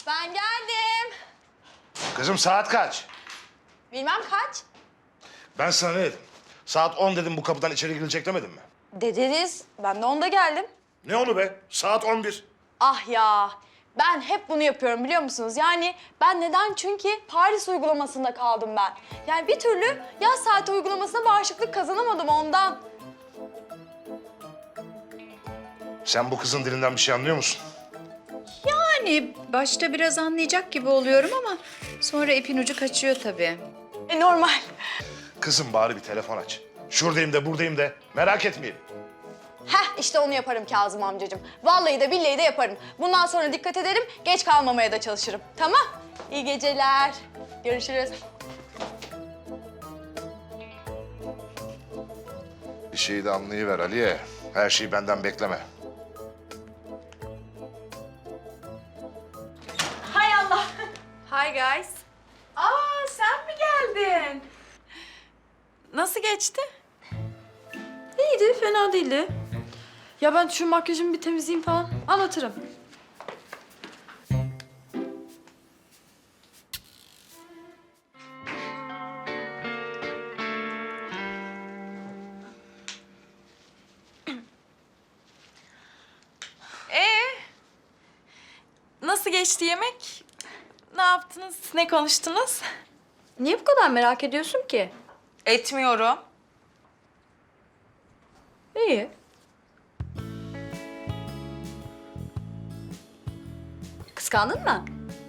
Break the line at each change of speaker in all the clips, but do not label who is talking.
Ben geldim.
Kızım saat kaç?
Bilmem kaç.
Ben sana ne dedim? Saat 10 dedim, bu kapıdan içeri girilecek demedim mi?
Dediniz. Ben de onda geldim.
Ne onu be? Saat 11.
Ah ya. Ben hep bunu yapıyorum biliyor musunuz? Yani ben neden? Çünkü Paris uygulamasında kaldım ben. Yani bir türlü yaz saati uygulamasına bağışıklık kazanamadım ondan.
Sen bu kızın dilinden bir şey anlıyor musun?
Yani başta biraz anlayacak gibi oluyorum ama sonra ipin ucu kaçıyor tabii.
Normal.
Kızım bari bir telefon aç. Şuradayım de buradayım de merak etmeyelim.
Heh işte onu yaparım Kazım amcacığım. Vallahi de billahi de yaparım. Bundan sonra dikkat ederim, geç kalmamaya da çalışırım. Tamam? İyi geceler. Görüşürüz.
Bir şeyi de anlayıver Aliye. Her şeyi benden bekleme.
Hay Allah.
Hi guys. Aa sen mi geldin? Nasıl geçti? İyiydi, fena değildi. Ya ben şu makyajımı bir temizleyeyim falan, anlatırım. Nasıl geçti yemek? Ne yaptınız? Ne konuştunuz?
Niye bu kadar merak ediyorsun ki?
Etmiyorum.
İyi. Kıskandın mı?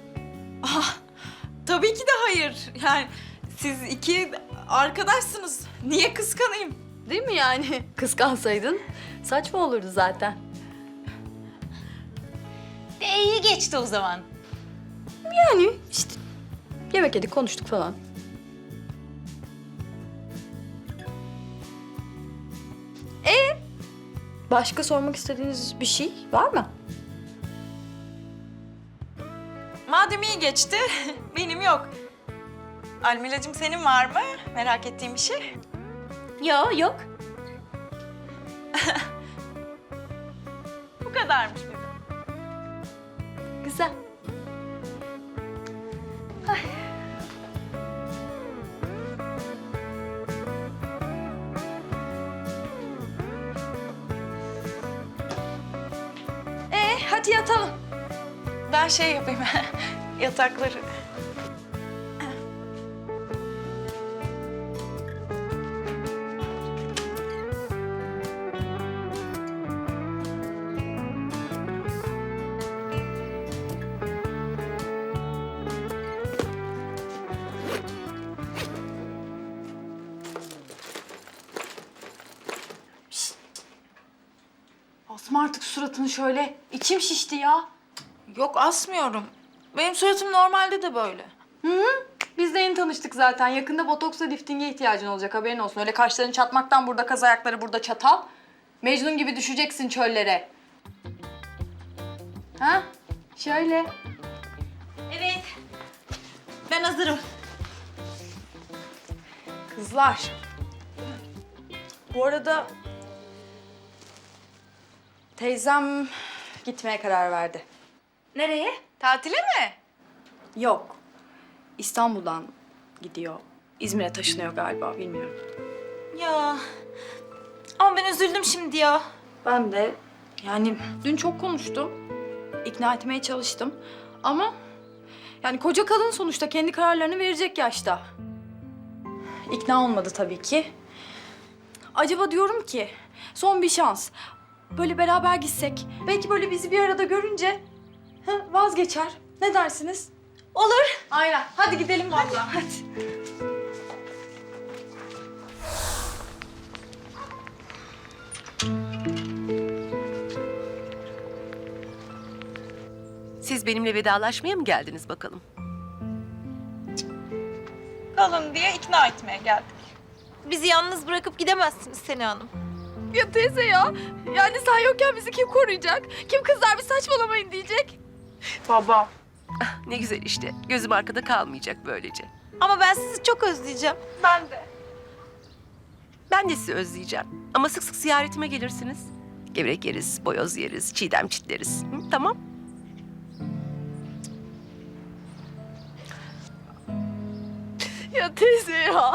Tabii ki de hayır. Yani siz iki arkadaşsınız. Niye kıskanayım?
Değil mi yani? Kıskansaydın saçma olurdu zaten.
İyi geçti o zaman.
Yani işte yemek yedik, konuştuk falan. Başka sormak istediğiniz bir şey var mı?
Madem iyi geçti, benim yok. Almilacığım senin var mı? Merak ettiğin bir şey?
Yok.
Bu kadarmış benim.
Güzel.
Hadi yatalım.
Ben şey yapayım, yatakları.
Asma artık suratını şöyle. İçim şişti ya.
Yok asmıyorum. Benim suratım normalde de böyle.
Biz de yeni tanıştık zaten. Yakında botoksla liftinge ihtiyacın olacak, haberin olsun. Öyle kaşların çatmaktan burada kaz, ayakları burada çatal. Mecnun gibi düşeceksin çöllere. Ha? Şöyle.
Evet. Ben hazırım.
Kızlar. Bu arada teyzem gitmeye karar verdi.
Nereye? Tatile mi?
Yok. İstanbul'dan gidiyor. İzmir'e taşınıyor galiba, bilmiyorum.
Ya. Ama ben üzüldüm şimdi ya.
Ben de yani dün çok konuştum. İkna etmeye çalıştım. Ama yani koca kadın sonuçta kendi kararlarını verecek yaşta. İkna olmadı tabii ki. Acaba diyorum ki son bir şans. Böyle beraber gitsek. Belki böyle bizi bir arada görünce vazgeçer. Ne dersiniz?
Olur.
Aynen. Hadi gidelim vallahi. Hadi.
Siz benimle vedalaşmaya mı geldiniz bakalım?
Kalın diye ikna etmeye geldik. Bizi yalnız bırakıp gidemezsiniz Sena Hanım.
Ya teyze ya. Yani sen yokken bizi kim koruyacak? Kim kızlar bir saçmalamayın diyecek?
Baba.
Ne güzel işte. Gözüm arkada kalmayacak böylece.
Ama ben sizi çok özleyeceğim. Ben de.
Ben de sizi özleyeceğim. Ama sık sık ziyaretime gelirsiniz. Gevrek yeriz, boyoz yeriz, çiğdem çitleriz. Hı, tamam.
Ya teyze ya.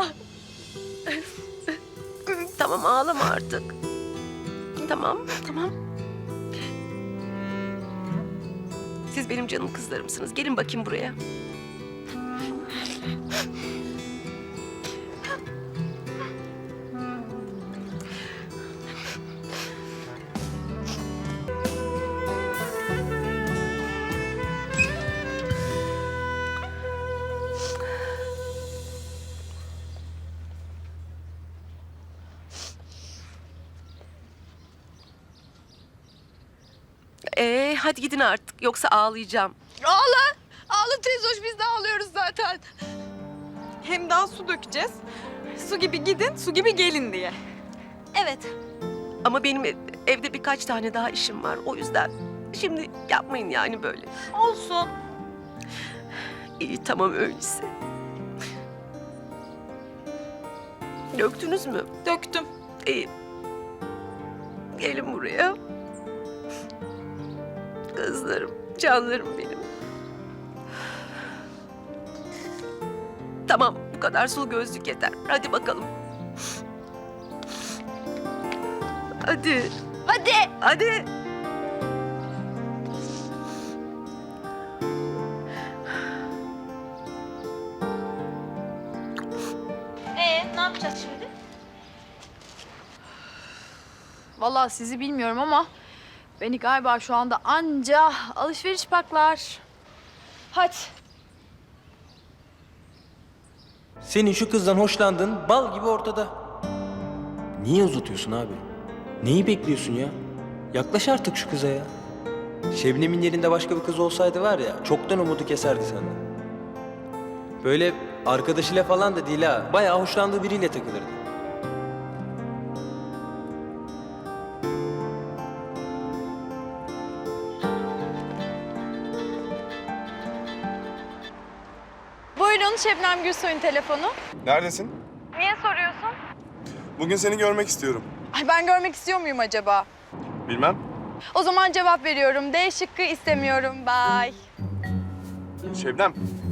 Tamam ağlama artık. Tamam, tamam. Siz benim canım kızlarımsınız. Gelin bakayım buraya. Hadi gidin artık. Yoksa ağlayacağım.
Ağla. Ağla teyze hoş, biz de ağlıyoruz zaten. Hem daha su dökeceğiz. Su gibi gidin, su gibi gelin diye.
Evet. Ama benim evde birkaç tane daha işim var. O yüzden şimdi yapmayın yani böyle.
Olsun.
İyi tamam öyleyse. Döktünüz mü?
Döktüm.
İyi. Gelin buraya. Kızlarım, canlarım benim. Tamam, bu kadar sulu gözlük yeter. Hadi bakalım. Hadi.
Hadi.
Hadi.
Ne yapacağız şimdi?
Vallahi sizi bilmiyorum ama beni galiba şu anda anca alışveriş paklar. Hadi.
Senin şu kızdan hoşlandığın bal gibi ortada. Niye uzatıyorsun abi? Neyi bekliyorsun ya? Yaklaş artık şu kıza ya. Şebnem'in yerinde başka bir kız olsaydı var ya, çoktan umudu keserdi senden. Böyle arkadaşıyla falan da değil ha, bayağı hoşlandığı biriyle takılırdı.
Buyurun Şebnem Gürsoy'un telefonu.
Neredesin?
Niye soruyorsun?
Bugün seni görmek istiyorum.
Ay ben görmek istiyor muyum acaba?
Bilmem.
O zaman cevap veriyorum. D şıkkı istemiyorum. Bye.
Şebnem.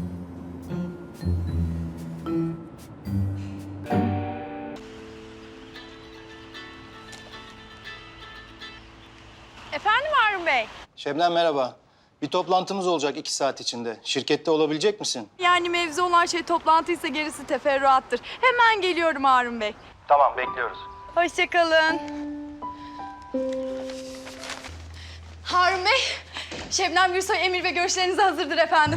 Efendim Harun Bey?
Şebnem merhaba. Bir toplantımız olacak 2 saat içinde. Şirkette olabilecek misin?
Yani mevzu olan şey toplantıysa gerisi teferruattır. Hemen geliyorum Harun Bey.
Tamam, bekliyoruz.
Hoşça kalın. Harun Bey, Şebnem Gürsoy emir ve görüşlerinize hazırdır efendim.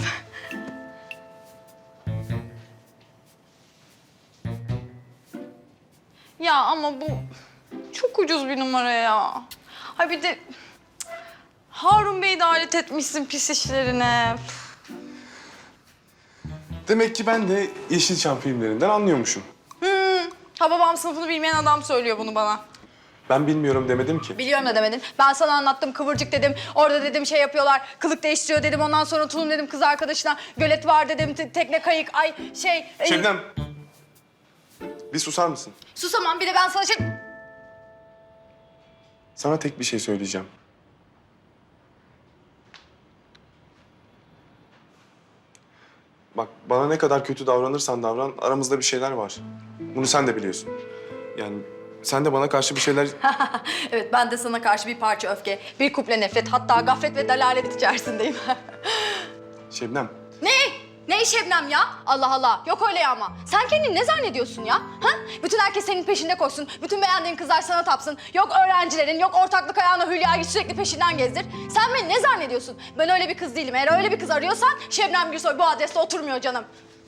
Ya ama bu çok ucuz bir numara ya. Ha bir de cık, Harun Bey'i de alet etmişsin pis işlerine.
Demek ki ben de Yeşilçam filmlerinden anlıyormuşum.
Ha babam sınıfını bilmeyen adam söylüyor bunu bana.
Ben bilmiyorum demedim ki.
Biliyorum da demedin. Ben sana anlattım, kıvırcık dedim. Orada dedim şey yapıyorlar, kılık değiştiriyor dedim. Ondan sonra tulum dedim kız arkadaşına. Gölet var dedim, tekne kayık, ay şey...
Şebnem. Bir susar mısın?
Susamam bir de ben sana şey...
Sana tek bir şey söyleyeceğim. Bak bana ne kadar kötü davranırsan davran aramızda bir şeyler var. Bunu sen de biliyorsun. Yani sen de bana karşı bir şeyler...
Evet ben de sana karşı bir parça öfke, bir kuple nefret, hatta gaflet ve dalalet içerisindeyim.
Şebnem.
Ne Şebnem ya? Allah Allah. Yok öyle ya ama. Sen kendini ne zannediyorsun ya? Ha? Bütün herkes senin peşinde koşsun. Bütün beğendiğin kızlar sana tapsın. Yok öğrencilerin, yok ortaklık ayağına Hülya'yı sürekli peşinden gezdir. Sen beni ne zannediyorsun? Ben öyle bir kız değilim. Eğer öyle bir kız arıyorsan Şebnem Gürsoy bu adreste oturmuyor canım.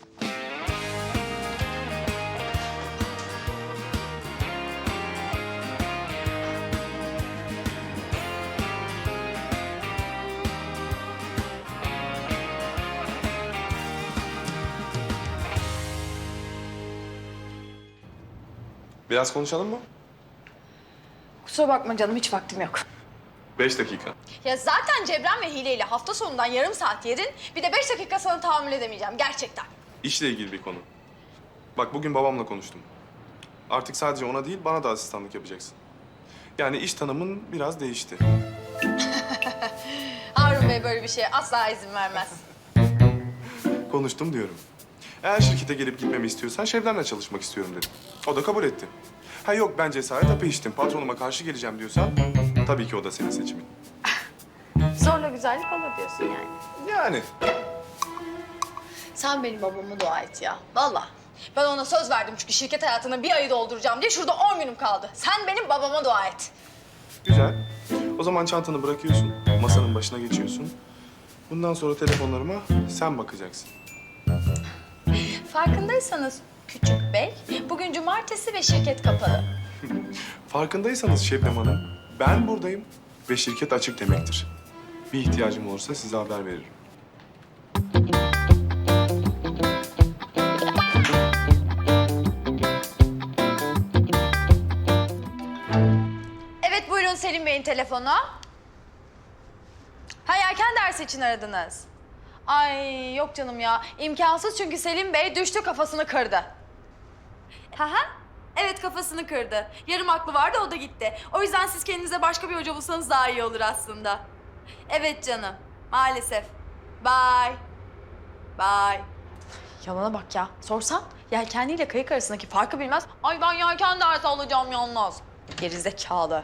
Biraz konuşalım mı?
Kusura bakma canım hiç vaktim yok.
5 dakika.
Ya zaten Cebren ve Hile ile hafta sonundan yarım saat yedin. Bir de 5 dakika sana tahammül edemeyeceğim gerçekten.
İşle ilgili bir konu. Bak bugün babamla konuştum. Artık sadece ona değil bana da asistanlık yapacaksın. Yani iş tanımın biraz değişti.
Harun Bey böyle bir şeye asla izin vermez.
Konuştum diyorum. Eğer şirkete gelip gitmemi istiyorsan Şebnem'le çalışmak istiyorum dedim. O da kabul etti. Ha yok ben cesaret hapı içtim, patronuma karşı geleceğim diyorsan tabii ki o da senin seçimin.
Zorla güzellik olur diyorsun yani.
Yani.
Sen benim babama dua et ya. Vallahi. Ben ona söz verdim çünkü şirket hayatına bir ayı dolduracağım diye şurada 10 günüm kaldı. Sen benim babama dua et.
Güzel. O zaman çantanı bırakıyorsun, masanın başına geçiyorsun. Bundan sonra telefonlarıma sen bakacaksın.
Farkındaysanız küçük bey, bugün cumartesi ve şirket kapalı.
Farkındaysanız Şebnem Hanım, ben buradayım ve şirket açık demektir. Bir ihtiyacım olursa size haber veririm.
Evet buyurun Selim Bey'in telefonu. Ha erken ders için aradınız. Ay yok canım ya. İmkansız çünkü Selim Bey düştü kafasını kırdı. Ha. Evet kafasını kırdı. Yarım aklı vardı o da gitti. O yüzden siz kendinize başka bir hoca bulsanız daha iyi olur aslında. Evet canım. Maalesef. Bye. Bye. Yalana bak ya. Sorsan yelkenliyle kayık arasındaki farkı bilmez. Ay ben yelken dersi alacağım yalnız. Gerizekalı.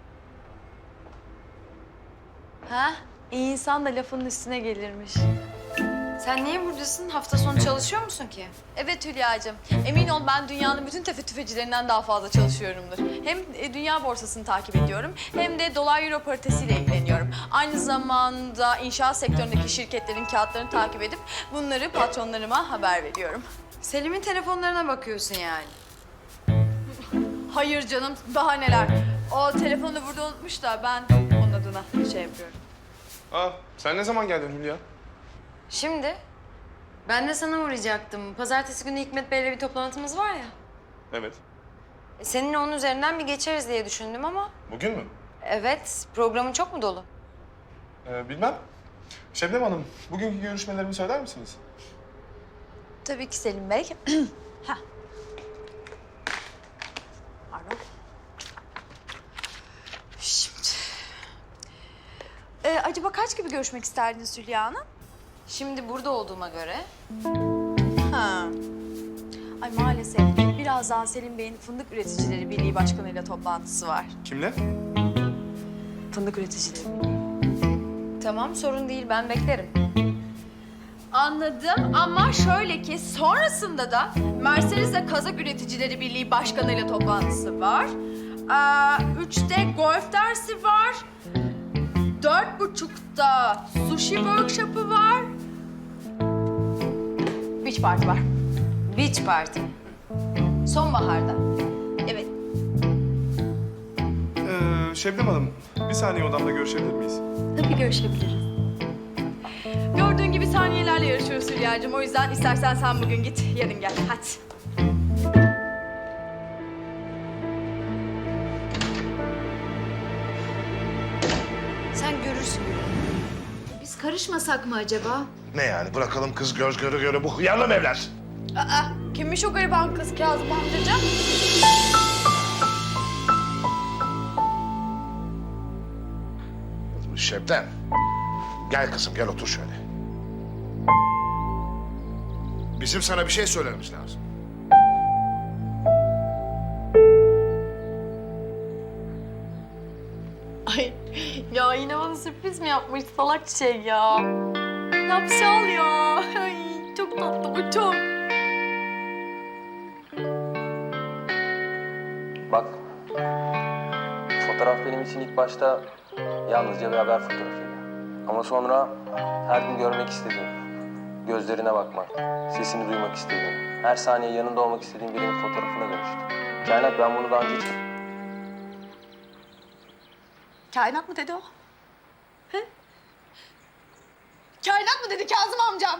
Ha? İyi insan da lafının üstüne gelirmiş.
Sen niye buradasın? Hafta sonu çalışıyor musun ki?
Evet Hülya'cığım. Emin ol ben dünyanın bütün tefecilerinden daha fazla çalışıyorumdur. Hem dünya borsasını takip ediyorum hem de dolar euro paritesiyle ilgileniyorum. Aynı zamanda inşaat sektöründeki şirketlerin kağıtlarını takip edip bunları patronlarıma haber veriyorum.
Selim'in telefonlarına bakıyorsun yani.
Hayır canım daha neler. O telefonu burada unutmuş da ben onun adına şey yapıyorum.
Aa, sen ne zaman geldin Hülya?
Şimdi ben de sana uğrayacaktım. Pazartesi günü Hikmet Bey'le bir toplantımız var ya.
Evet.
Seninle onun üzerinden bir geçeriz diye düşündüm ama...
Bugün mü?
Evet, programın çok mu dolu?
Bilmem. Şebnem Hanım, bugünkü görüşmelerimi söyler misiniz?
Tabii ki Selim Bey. Hah. Pardon. Şimdi. Acaba kaç gibi görüşmek isterdiniz Hülya Hanım?
Şimdi burada olduğuma göre...
Ha. Ay maalesef birazdan Selim Bey'in Fındık Üreticileri Birliği Başkanı'yla toplantısı var.
Kimle?
Fındık Üreticileri Birliği.
Tamam, sorun değil. Ben beklerim.
Anladım ama şöyle ki sonrasında da Mercedes'le Kazak Üreticileri Birliği Başkanı'yla toplantısı var. 3'te golf dersi var. 4.30'da sushi workshop'ı var. Beach party var.
Beach party.
Sonbaharda. Evet.
Şebnem Hanım, bir saniye odamda görüşebilir miyiz?
Tabii görüşebiliriz. Gördüğün gibi saniyelerle yarışıyoruz Hülya'cığım. O yüzden istersen sen bugün git, yarın gel. Hadi.
Sen görürsün. Biz karışmasak mı acaba?
Ne yani bırakalım kız göz göre göre bu hıyarla mı evlensin?
Kimmiş o gariban kız Kazım amcacığım?
Şebnem. Gel kızım gel otur şöyle. Bizim sana bir şey söylememiz lazım.
Ay ya yine bana sürpriz mi yapmış salak şey ya? Yapşal ya. Ay çok tatlı bu çok.
Bak, fotoğraf benim için ilk başta yalnızca bir haber fotoğrafıydı. Ama sonra her gün görmek istediğim, gözlerine bakmak, sesini duymak istediğim, her saniye yanında olmak istediğim birinin fotoğrafına dönüştü. Kainat ben bunu daha önce hiç...
Kainat mı dedi o? He? Kainat mı dedi Kazım amcam?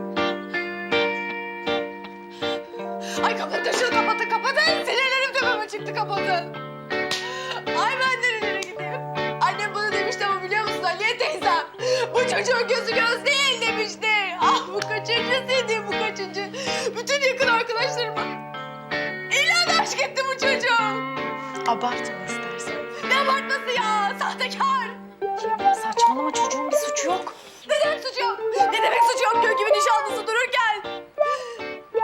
Ay kapatın şunu kapatın. Sinirlerim tepeme çıktı kapatın. Ay ben nerelere gideyim? Annem bana demişti ama biliyor musun Aliye teyzem? Bu çocuğun gözü göz değil demişti. Ah bu kaçıncısıydı bu kaçıncı? Bütün yakın arkadaşlarıma ilan aşk etti bu çocuğum. Abartma istersen. Ne abartması ya? Sahtekar.
Saçmalama, çocuğun bir suçu yok.
Ne demek suçu yok? Ne demek suçu yok? Gül gibi nişanlısı dururken.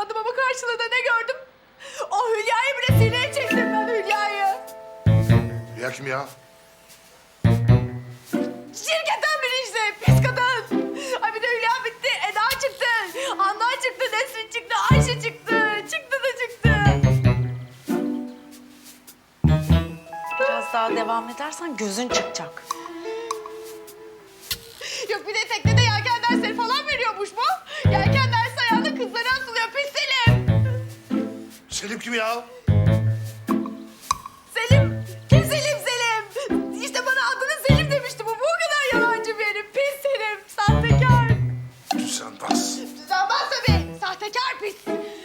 sandım ama karşılığında ne gördüm? O Hülya'yı bile sineye çektim ben Hülya'yı.
Ya kim ya?
Şirketten biri işte, pis kadın. Ay bir de Hülya bitti, Eda çıktı. Handan çıktı, Nesrin çıktı, Ayşe çıktı. Çıktı da çıktı.
Biraz daha devam edersen gözün çıkacak.
Yok bir de teknede yelken dersleri falan veriyormuş bu. Yelken dersi ayağında kızlara asılıyor, pis Selim.
Selim kim ya?
Selim, kim Selim Selim? İşte bana adını Selim demişti bu. Bu kadar yalancı bir herif. Pis Selim, sahtekar.
Düzenbaz.
Düzenbaz tabii, sahtekar pis.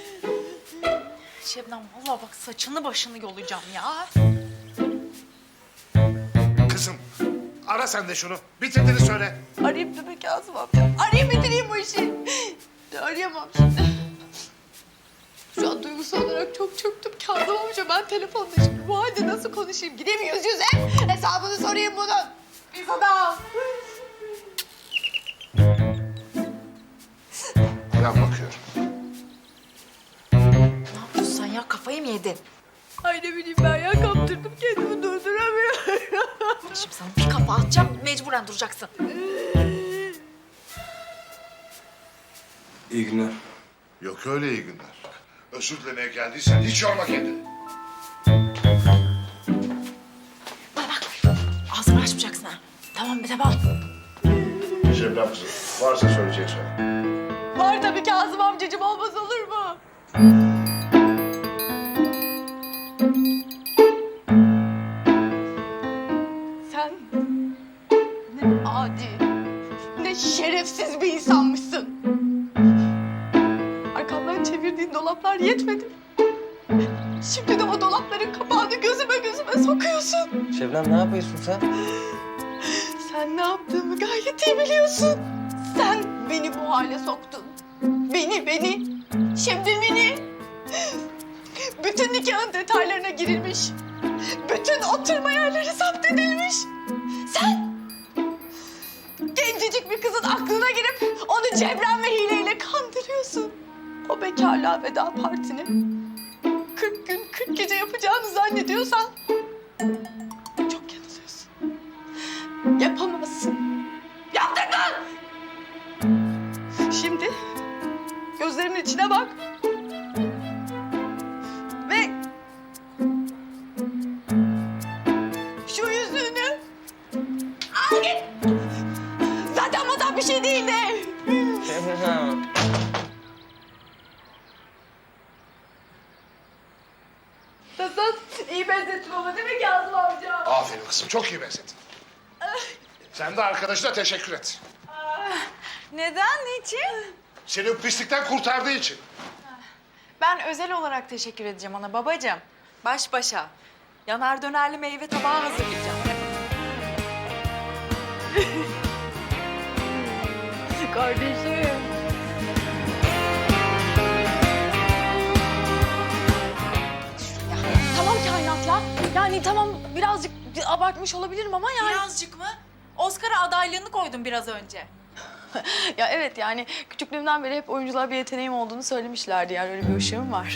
Şebnem vallahi bak saçını başını yolacağım ya.
Kızım ara sen de şunu. Bitirdiğini söyle.
Arayayım tabii Kazım amca. Arayayım bitireyim bu işi. Arayamam şimdi. Şu an duygusal olarak çok çöktüm Kazım amca. Ben telefonda şimdi bu halde nasıl konuşayım? Gideyim yüz yüze hesabını sorayım bunun. Pis adam.
Ben bakıyorum.
Ne yapıyorsun sen ya kafayı mı yedin?
Ay ne bileyim ben ya kaptırdım kendimi durduramıyorum.
Şimdi sana bir kafa atacağım mecburen duracaksın.
İyi günler.
Yok öyle iyi günler. Özür dilemeye geldiysen hiç yorma kendini.
Bana bak ağzını açmayacaksın ha. Tamam be tamam.
Şebnem kızım varsa söyleyecek söyle.
Var tabii Kazım amcacığım, olmaz olur mu? Sen ne adi, ne şerefsiz bir insanmışsın. Arkamdan çevirdiğin dolaplar yetmedi. Şimdi de o dolapların kapağını gözüme sokuyorsun.
Şebnem ne yapıyorsun sen?
Sen ne yaptığımı gayet iyi biliyorsun. Sen beni bu hale soktun. Beni. Şimdi beni. Bütün nikahın detaylarına girilmiş. Bütün oturma yerleri zapt edilmiş. Sen gencecik bir kızın aklına girip onu cebren ve hileyle kandırıyorsun. O bekarlığa veda partini 40 gün 40 gece yapacağını zannediyorsan çok yanılıyorsun. Yapamazsın. Yaptırdın! Şimdi gözlerimin içine bak. Ve şu yüzüğünü al git. Zaten bana bir şey değildi.
Şebnem.
Nasıl? İyi benzettin ama değil mi Kazım amca?
Aferin kızım çok iyi benzettin. Sen de arkadaşına teşekkür et.
Neden niçin?
Seni bu pislikten kurtardığı için.
Ben özel olarak teşekkür edeceğim ona babacığım. Baş başa. Yanar dönerli meyve tabağı hazırlayacağım.
Kardeşim.
Tamam kainat ya. Yani tamam birazcık abartmış olabilirim ama yani.
Birazcık mı? Oscar'a adaylığını koydum biraz önce.
Ya evet yani küçüklüğümden beri hep oyunculuğa bir yeteneğim olduğunu söylemişlerdi. Yani öyle bir ışığım var.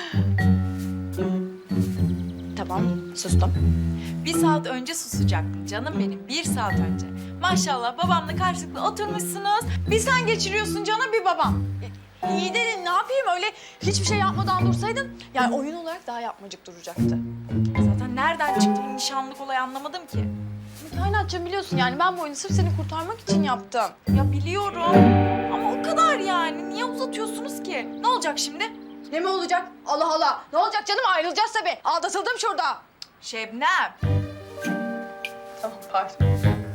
Tamam sustum.
1 saat önce susacaktın canım benim. 1 saat önce. Maşallah babamla karşılıklı oturmuşsunuz. Bir sen geçiriyorsun canım bir babam.
İyi de ne yapayım öyle hiçbir şey yapmadan dursaydın yani oyun olarak daha yapmacık duracaktı.
Zaten nereden çıktı bu nişanlık olayı anlamadım ki.
Kainatçığım biliyorsun yani ben bu oyunu sırf seni kurtarmak için yaptım.
Ya biliyorum ama o kadar yani. Niye uzatıyorsunuz ki? Ne olacak şimdi?
Ne mi olacak? Allah Allah. Ne olacak canım ayrılacağız tabii. Aldatıldım şurada.
Şebnem.
Tamam pardon.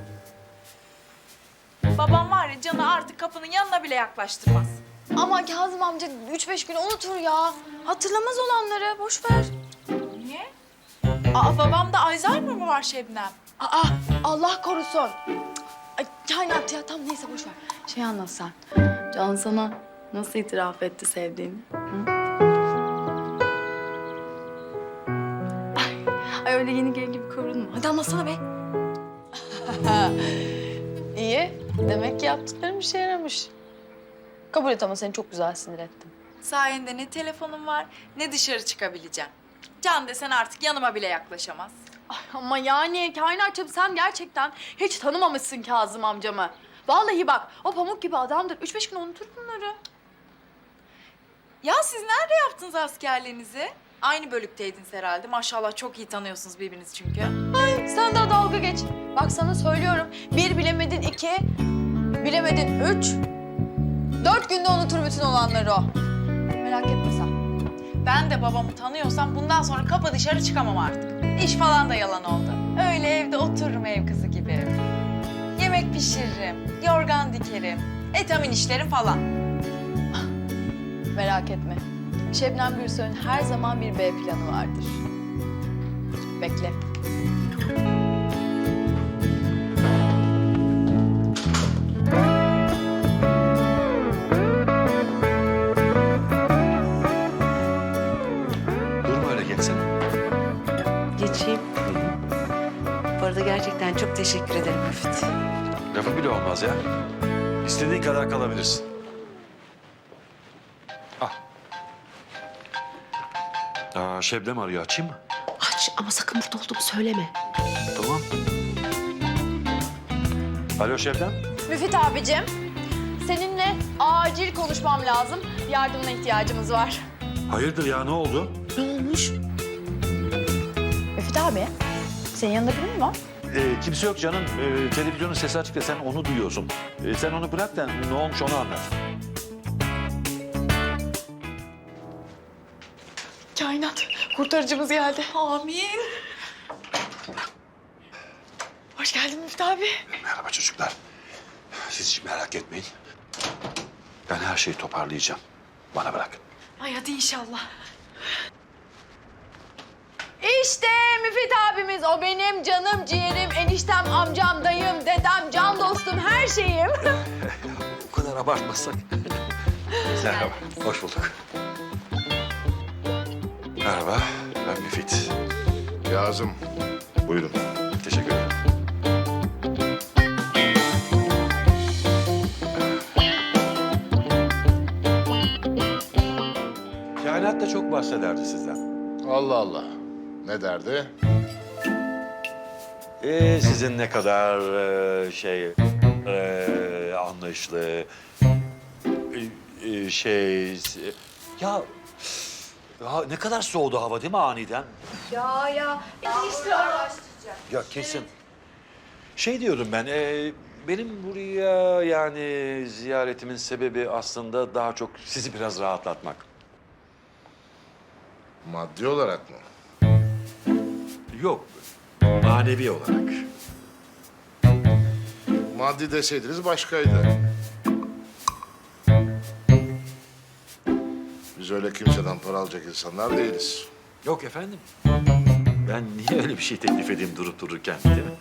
Babam var ya Can'ı artık kapının yanına bile yaklaştırmaz.
Ama Kazım amca 3-5 gün unutur ya. Hatırlamaz olanları boş ver.
Niye? Aa babamda Alzheimer mı var Şebnem?
Aa Allah korusun. Ay kainat ya tam neyse boş ver. Şey anlat sen. Can sana nasıl itiraf etti sevdiğini? Hı? Ay öyle yeni gelin gibi kıvrılma. Hadi anlatsana be. İyi. Demek ki yaptıklarım işe yaramış. Kabul et ama seni çok güzel sinir ettim.
Sayende ne telefonum var ne dışarı çıkabileceğim. Can desen artık yanıma bile yaklaşamaz.
Ama yani kainatçım sen gerçekten hiç tanımamışsın Kazım amcamı. Vallahi bak o pamuk gibi adamdır. 3-5 gün unutur bunları.
Ya siz nerede yaptınız askerliğinizi? Aynı bölükteydiniz herhalde. Maşallah çok iyi tanıyorsunuz birbirinizi çünkü.
Sen daha dalga geç. Bak sana söylüyorum. 1 bilemedin 2, bilemedin 3. 4 günde unutur bütün olanları o. Merak etme sen.
Ben de babamı tanıyorsam bundan sonra kapı dışarı çıkamam artık. İş falan da yalan oldu. Öyle evde otururum ev kızı gibi. Yemek pişiririm, yorgan dikerim, etamin işlerim falan.
Merak etme. Şebnem Gürsoy'un her zaman bir B planı vardır. Bekle.
Durma öyle geçsene.
Geçeyim. Bu arada gerçekten çok teşekkür ederim Müfit.
Lafı bile olmaz ya. İstediğin kadar kalabilirsin. Şebnem arıyor. Açayım mı?
Aç ama sakın burada olduğumu söyleme.
Tamam. Alo Şebnem.
Müfit abicim, seninle acil konuşmam lazım. Yardımına ihtiyacımız var.
Hayırdır ya, ne oldu?
Ne olmuş?
Müfit abi, senin yanında biri mi var?
Kimse yok canım. Televizyonun sesi açık da sen onu duyuyorsun. Sen onu bırak da ne olmuş onu anlat.
Kainat, kurtarıcımız geldi.
Amin.
Hoş geldin Müfit abi.
Merhaba çocuklar. Siz hiç merak etmeyin. Ben her şeyi toparlayacağım. Bana bırak.
Ay hadi inşallah.
İşte Müfit abimiz, o benim canım, ciğerim, eniştem, amcam, dayım, dedem, can dostum, her şeyim.
O kadar abartmasak. Merhaba. Hoş bulduk. Merhaba. Ben Müfit.
Kazım. Buyurun.
Teşekkür ederim. Kainat da çok bahsederdi sizden.
Allah Allah. Ne derdi?
Sizin ne kadar anlayışlı, ya ne kadar soğudu hava değil mi aniden?
Ya, enişte araştıracağım.
Ya kesin. Şey diyordum ben, benim buraya yani ziyaretimin sebebi aslında daha çok sizi biraz rahatlatmak.
Maddi olarak mı?
Yok, manevi olarak.
Maddi deseydiniz başkaydı. Biz öyle kimseden para alacak insanlar değiliz.
Yok efendim. Ben niye öyle bir şey teklif edeyim durup dururken değil mi?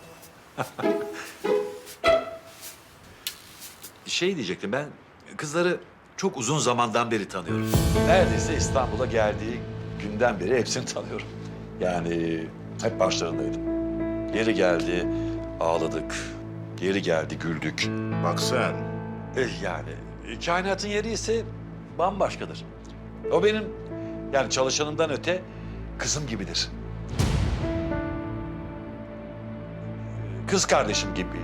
Şey diyecektim ben, kızları çok uzun zamandan beri tanıyorum. Neredeyse İstanbul'a geldiği günden beri hepsini tanıyorum. Yani hep başlarındaydım. Yeri geldi ağladık, yeri geldi güldük.
Bak sen.
Yani kainatın yeri ise bambaşkadır. O benim yani çalışanımdan öte kızım gibidir. Kız kardeşim gibi.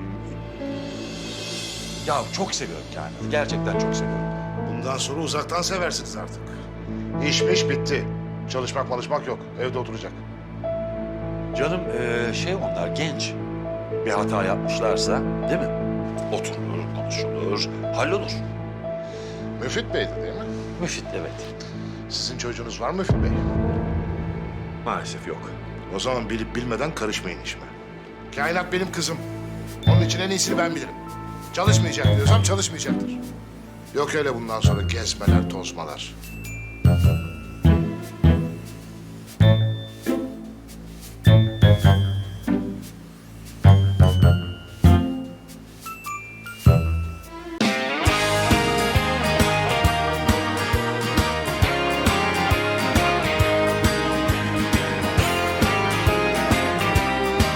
Ya çok seviyorum kainatı. Gerçekten çok seviyorum.
Bundan sonra uzaktan seversiniz artık. İş bitti. Çalışmak yok. Evde oturacak.
Canım onlar genç. Bir hata yapmışlarsa değil mi? Oturulur, konuşulur, hallolur.
Müfit Bey'di değil mi?
Müfit evet.
Sizin çocuğunuz var mı Müfit Bey?
Maalesef yok.
O zaman bilip bilmeden karışmayın işime. Kainat benim kızım. Onun için en iyisini ben bilirim. Çalışmayacak diyorsam çalışmayacaktır. Yok öyle bundan sonra gezmeler, tozmalar.